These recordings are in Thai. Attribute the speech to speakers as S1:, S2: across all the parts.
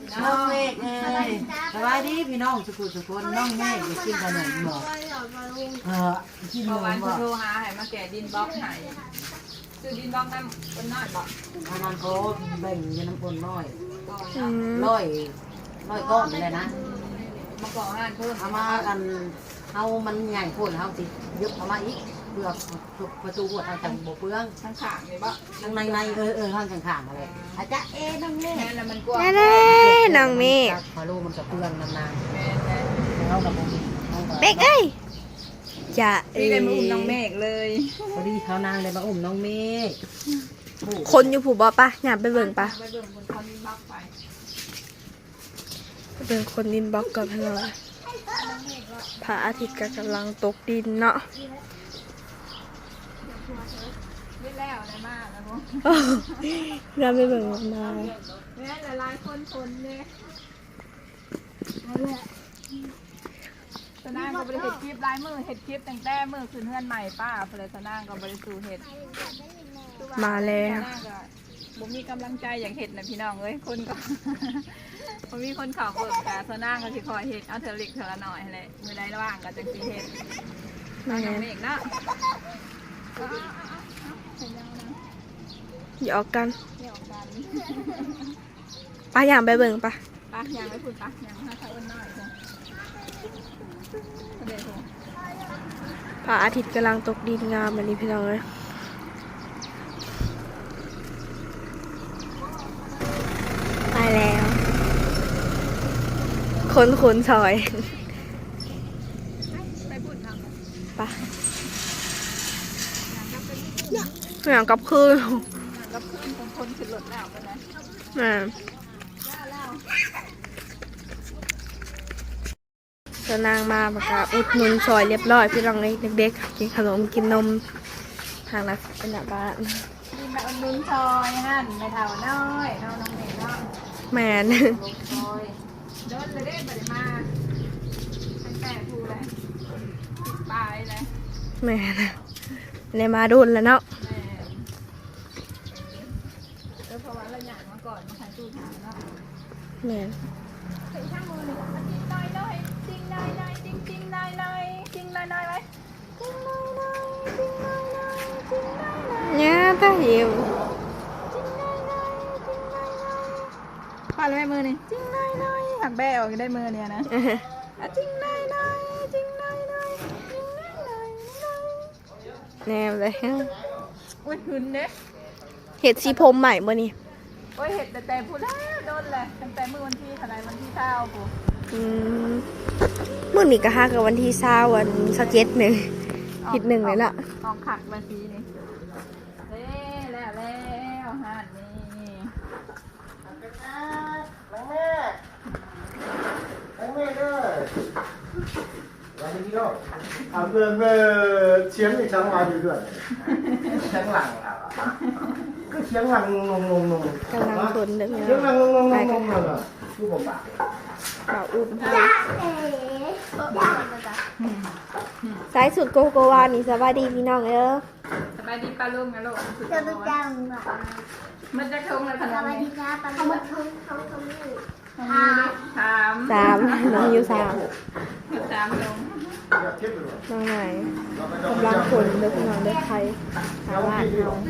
S1: น้องเมฆสบายดีพี่น้องสุขุสุขคนน้องเมฆจะกินขนมหมกกินขนม
S2: วัน
S1: บ่
S2: โทรหาให้มาแกะดินบล็อกให้ซื้อดินบล็อกน้ำคนน้อยบอก
S1: อันนั้นเขาแบ่งเงินน้ำคนน้อยร้อยก้อนเลยนะ
S2: มาก่อห้านเพิ่ม
S1: เอามากันเอามันใหญ่โคตรเอาสิยึดเอามาอีกเปลือกประตูหัวทางจังโบเปลือง
S2: ทั้งขางเลยบ่
S1: ทางในข้างข้างอะไรอาจจะน้องเมฆ
S2: แม่แล้วมันกว้าง
S3: แน่ๆน้องเมฆ
S1: พอรู้มันจะเปลืองนาน
S2: แม่
S1: ๆเอากับผม
S3: เมฆเอ้ยจะ
S2: พี่เลยมาอุ้มน้องเมฆเลย
S1: พอดีเขานางเลยมาอุ้มน้องเมฆ
S3: คนอยู่ผูบ่ปะอยากไปเบิ่งปะ
S2: ไปเบิ่งคนเขาดินบล็อกไป
S3: ไปเบิ่งคนดินบล็อกก่อนเพื่อนพระอาทิตย์ก็กำลังตกดินเนาะ
S2: ไม่แล้วได้มากแล้วพวก
S3: เราไปเบิ่งมา
S2: แม่หลายคนทนเลยสนางก็บริเห็ดคลิปลายมือเห็ดคลิปแต่งแต่มือคืนเฮือนใหม่ป้าเพลสนางก็บริสูเห็ด
S3: มาแล้ว
S2: บ่มีกำลังใจอย่างเห็ดนะพี่น้องเอ้ยคนก็ บ่มีคนเขาเบิกกาสนางก็สิคอยเห็ดเอาเธอเล็กเธอละหน่อยแหละมือใดว่างก็จังสิเห็ด
S3: มา
S2: น้อง
S3: แล้ว
S2: เมฆเนาะ
S3: หยอกกัน
S2: เดี๋ยวกัน
S3: ปะอยากไปเบิ่งปะ
S2: ปะยังไม่พูดปะยังถ้าเขาอ้นน้อยจ้ะเดี๋ยว
S3: พระอาทิตย์กำลังตกดินงามอันนี้พี่น้องเลยไปแล้วคนซอย
S2: ไปพูดทาง
S3: ปะอย่างกับคืน
S2: กับเพื่อนคนขึ้นรถแล้วกันนะ
S3: จะนางมาประกาศอุดหนุนซอยเรียบร้อยพี่น้องเลยเด็กๆกินขนมกินนมทางนักเป็นแบบบ้าน
S2: มีมาอุ่นนุ่นซอยหั่นไม่เท่าน้อยน้องเมฆเนาะ
S3: แมน
S2: ลงซอยเดินเลยได้บัดมาตั้งแต่พูดเลยติดปลายเลย
S3: แมนเลยมาดุนแล้วเนาะ
S2: แม่เพราะว่าเราอยากมาก่อนมาถ่ายตู้ถามเนาะ
S3: แมน
S2: ใส่ช่างมือหนึ่งจริงน้อยน้อยจริงน้อยน้อยจริงจริงน้อยน้อยจริงน้อยน้อยไว้จริงน้อยน้อยจริงน้อยน้อยจริงน้อยน้อย
S3: เนี่ยตาหิว
S2: พอแล้วแม่มือนี่จริงน้อยน้อยหักแบะออกได้มือเนี่ยนะจริงน้อยน้อยจริงน้อยน้อยจริงน้อยน้อย
S3: แนวเลย
S2: โอ้ยหืนเด้
S3: เห็ดสีผมใหม่บ่นี่
S2: โอ้ยเห็ดแต่พูดแล้วโดนเลยตั้งแต่มือวันที่เท่าไรวันที่เท่าปุ๊
S3: มื่อนี้ก็ห้ากับวันที่20วัน27หนึ่งผิดหนึ่งเลยล่ะ
S2: ออกขักมาซีนี่แล้วหันนี่
S4: 钱没抢完对不对？抢完了，个抢完弄。
S3: กำลังคนเด้อพี่
S4: 抢
S3: น้อง
S4: 完弄了，如果吧。
S3: บ่าวอุ้มสายสุดโกโกวานี่สบายดีพี่น้องเด้อ
S2: สบายดีป้าลุงนะลูก
S5: จะไปจังหวะ
S2: มันจะทงเลยขน
S5: ส
S2: ม
S5: วัสดี
S2: นี้
S5: ครับเขามาทุ่งเขาทำนี่
S2: ถาม
S3: 3น้องอยู่3
S2: ถามลง
S3: น้องไหนกำลังคนเด้อพี่น้องเด้อใครหาบ้านเฮา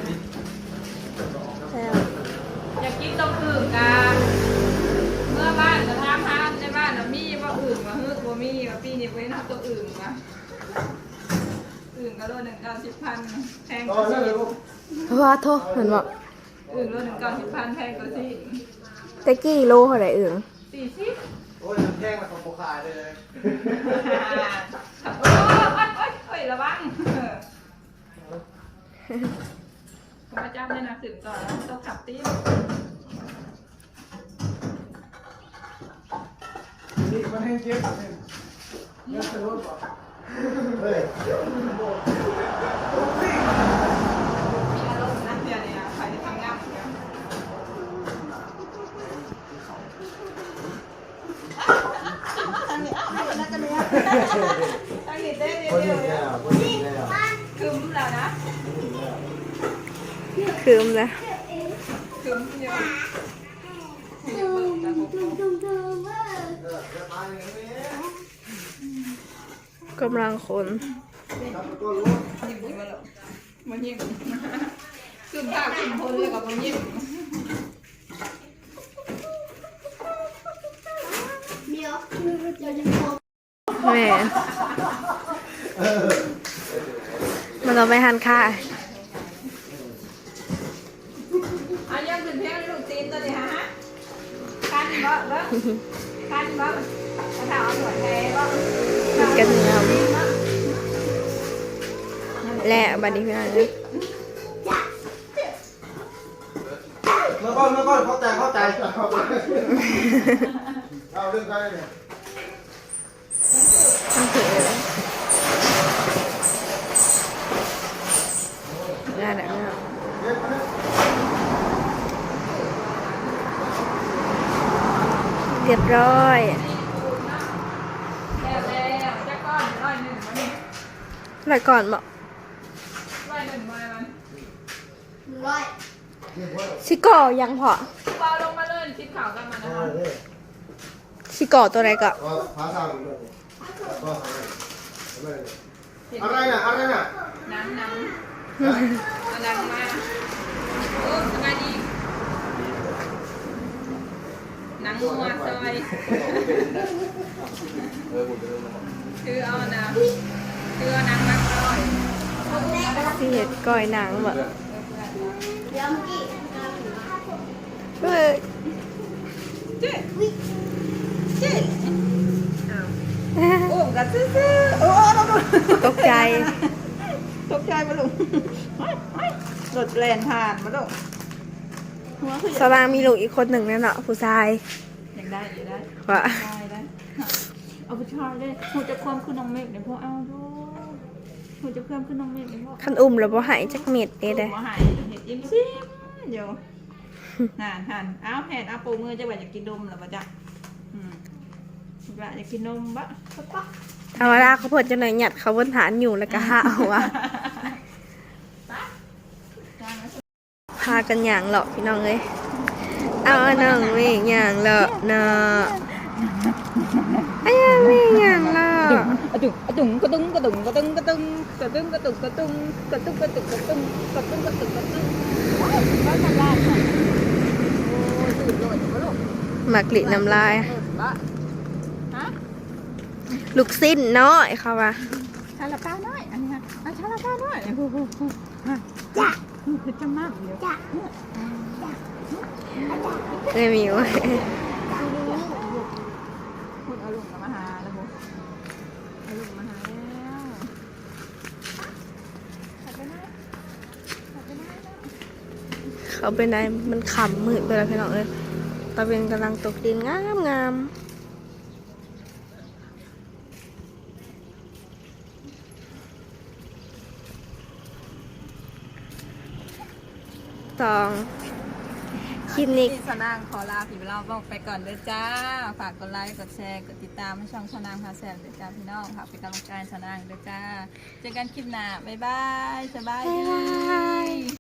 S3: แล้ว
S2: อยากกินต้มอึ่งกาเมื่อบ้านจะทำทานในบ้านเรามีว่าอึ่งมาฮึกว่ามีว่าปีนี้ไว้นับตัวอึ่งมาอึ่งก็โล190,000แพงกว่าสิ
S3: ว่าโทษเหมือนบอก
S2: อึ่งโล190,000แพงกว่าสิ
S3: ตะกี้โลเท่าไหร่เอิ่ง
S2: 40
S4: โอ้ยแท่งมาของโปคายเลย
S2: โอ้ยระวังผมมาจับในหนังสือก่อนแล้วต้องขับตี
S4: นี่มันให้เจ็บเนี่ยสรุปเฮ้ย
S2: มีอารมณ์นะเดี๋ยวนี้ใครที่ทำงานเนี่ยตั้งนี่เต้เดียวคืมแล้วนะ
S3: คืมนะ
S2: คืมเยอะ
S3: กำลังคน
S2: ยิ้มมาแล้วมันยิ้มขึ้นภาพขึ้นพ้นเลยกับมันยิ้ม
S5: เดี๋ยวจะพบ
S3: แม่มันเราไปหันค่า
S2: เอายังขึ้นเพลงลูกตีนตัวนี้ฮะกันบ่เด้อกันบ่กระถางเอาหน่วยแท้บ่
S3: กันเงาและบัดนี้พี่น้องเอ้ย
S4: เมื่อก่อนเข้าใจเอาเรื่องกันเนี่ย
S3: ต้องถือได้แล้ว เรียบร้อย
S2: แล้วจะก้อน101มานี่
S3: แล้วก่อนบอก
S2: 101มามัน
S5: ร้อย
S3: ชิก่อยังพอ
S2: เบาลงมาเลยคิดข่าวกันมานะคะ
S3: ชิก่อตัวไหนก็
S4: ภาษาอะไรน่ะ
S2: หนังเอาหนังมาโอ้สบายดีหนังงัวซอยคือเอาหนังมาซอย
S3: ที่เห็ดก้อยหนังแบบ
S5: เดี๋ยวกี่
S3: เฮ้ย
S2: เจ๊โอ้กัดซื่อโอ้
S3: ตกใจ
S2: ตกใจมาลุงรถแล่นผ่านมาลุงหัวคือ
S3: สลางมีลูกอีกคนหนึ่งนั่นเนาะผู้ชาย
S2: ยังได้
S3: ว่า
S2: ได้เอาไปชาเลยหูจะความขึ้นน้องเมฆเดี๋ยวพ่อเอาดูหูจะเพิ่มขึ้นน้องเมฆเดี๋ยวพ่อ
S3: คันอุ้มแล้วบ่หายจักเม็ดเด้เด้
S2: หัวหายเห็ดยิ้มซิมเดี๋ยวหันเอาแผ่นเอาปูมือจะว่าจะกินนมหรือเปล่าจ๊ะว่าจะกินนมบะ
S3: ธรรมดาเขาเพิ่นจะหน่อยหยัดเขาบนฐานอยู่แล้วก็หาเอาว่ะพากันหยางเหรอพี่น้องเอ้ยเอาน้องเว้ยหยางเหรอเนาะไอ้ยังไม่หยางเหรอ
S2: กระตุ้งกระตุ้งกระตุ้งกระตุ้งกระตุ้งกระตุ้งกระตุ้งกระตุ้งกระตุ้งกระตุ้งกระตุ้งกระตุ้งกระตุ้งกระตุ้งกระตุ้งบ้านทำลายค่ะโอ้ยตื่นเลยมาลูก
S3: หมากลิน้ำลาย
S2: บ้าฮะ
S3: ลูกสิ้นน้อยเขาว่า
S2: ชาลาป้าน้อยอันนี้นะชาลาป้าน้อยจ้ะคือจะมากเดียว
S3: ไม่มีเว้ย
S2: คุณเอาลุงมาหาแล้วบุเอาลุงมาหาแล้วขับไปไหนขับไปไหนแล้ว
S3: เขาเป็นไงมันขำมืดไปแล้วพี่น้องเอ้ยตะเวนกำลังตกดินงามตองคลิปนี้
S2: สนางขอลาพี่เราบอกไปก่อนเด้อจ้าฝากกดไลค์กดแชร์กดติดตามให้ช่องสนางพาแซมเด้อจ้าพี่น้องฝากเป็นกำลังใจสนางเด้อจ้าเจอกันคลิปหน้าบ๊ายบายสบายดี